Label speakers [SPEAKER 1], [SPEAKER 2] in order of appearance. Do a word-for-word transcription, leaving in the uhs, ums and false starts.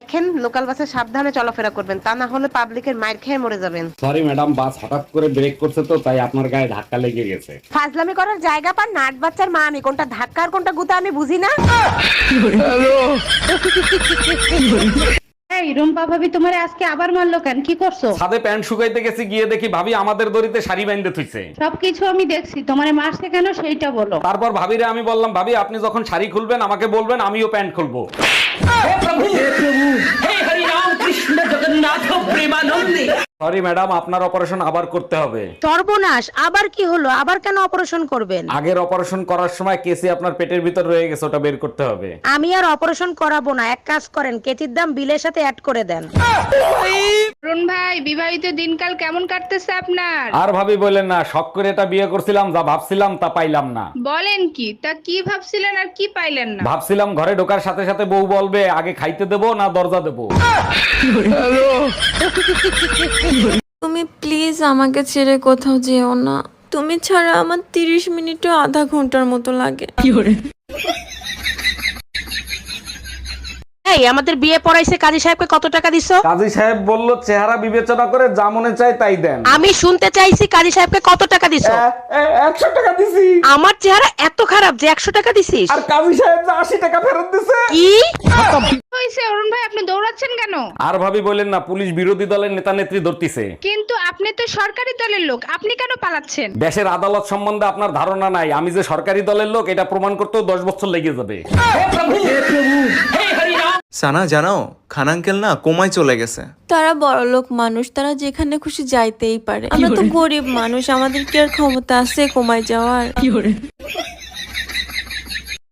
[SPEAKER 1] দেখেন লোকাল বাসে সাবধানে চলাফেরা করবেন, তা না হলে পাবলিকের মাইর খেয়ে মরে যাবেন।
[SPEAKER 2] সরি ম্যাডাম, বাস হঠাৎ করে ব্রেক করছে তো তাই আপনার গায়ে ধাক্কা লেগে গেছে।
[SPEAKER 1] ফাজলামি করার জায়গা পান না, আট বাচ্চার মা আমি, কোনটা ধাক্কা আর কোনটা গুতা আমি বুঝি না।
[SPEAKER 3] এই রুম্পা ভাবি তোমারে আজকে আবার মারলো কেন? কি করছো?
[SPEAKER 2] ছাদে প্যান্ট শুকাইতে গেছি, গিয়ে দেখি ভাবি আমাদের দড়িতে শাড়ি বাইন্ধে থুইছে।
[SPEAKER 3] সবকিছু আমি দেখছি, তোমারে মারছে কেন সেইটা বলো।
[SPEAKER 2] তারপর ভাবিরে আমি বললাম, ভাবি আপনি যখন শাড়ি খুলবেন আমাকে বলবেন, আমিও প্যান্ট খুলবো। সরি ম্যাডাম, আপনার অপারেশন আবার করতে হবে।
[SPEAKER 1] সর্বনাশ, আবার কি হলো? আবার কেন অপারেশন করবেন?
[SPEAKER 2] আগের অপারেশন করার সময় কেসি আপনার পেটের ভিতর রয়ে গেছে, ওটা বের করতে হবে।
[SPEAKER 1] আমি আর অপারেশন করাবো না, এক কাজ করেন কেতির দাম বিলের সাথে অ্যাড করে দেন।
[SPEAKER 4] অরুণ ভাই, বিবাহিত দিনকাল কেমন কাটতেছে আপনার?
[SPEAKER 2] আর ভাবি বললেন না, শখ করে এটা বিয়ে করছিলাম, যা ভাবছিলাম তা পাইলাম না।
[SPEAKER 4] বলেন কি? তা কি ভাবছিলেন আর কি পাইলেন না?
[SPEAKER 2] ভাবছিলাম ঘরে ঢোকার সাথে সাথে বউ বলবে আগে খাইতে দেবো না দরজা দেবো।
[SPEAKER 5] তুমি প্লিজ আমাকে ছেড়ে কোথাও যেও না। তুমি ছাড়া আমার তিরিশ মিনিটও আধা ঘন্টার মতো লাগে।
[SPEAKER 1] এই আমাদের বিয়ে পড়াইছে কাজী সাহেবকে কত টাকা দিছো?
[SPEAKER 2] কাজী সাহেব বলল চেহারা বিবেচনা করে যা মনে চায় তাই দেন।
[SPEAKER 1] আমি শুনতে চাইছি কাজী সাহেবকে কত টাকা দিছো?
[SPEAKER 2] একশো টাকা দিছি।
[SPEAKER 1] আমার চেহারা এত খারাপ যে একশো টাকা দিছিস?
[SPEAKER 2] আর কাজী সাহেব যে আশি টাকা ফেরত দিছে।
[SPEAKER 1] কি
[SPEAKER 4] হইছে অরুণ ভাই, আপনি দৌড়াচ্ছেন কেন?
[SPEAKER 2] আর ভাবি বললেন না, পুলিশ বিরোধী দলের নেতা নেত্রী ধরতিছে।
[SPEAKER 4] কিন্তু আপনি তো সরকারি দলের লোক, আপনি কেন পালাচ্ছেন?
[SPEAKER 2] দেশের আদালত সম্বন্ধে আপনার ধারণা নাই, আমি যে সরকারি দলের লোক এটা প্রমাণ করতেও দশ বছর লেগে যাবে।
[SPEAKER 6] সানা জানো, খান আঙ্কেল না কোমায় চলে গেছে।
[SPEAKER 5] তারা বড়লোক মানুষ, তারা যেখানে খুশি যাইতেই পারে। আমরা তো গরিব মানুষ, আমাদের কি আর ক্ষমতা আছে কমায় যাওয়ার?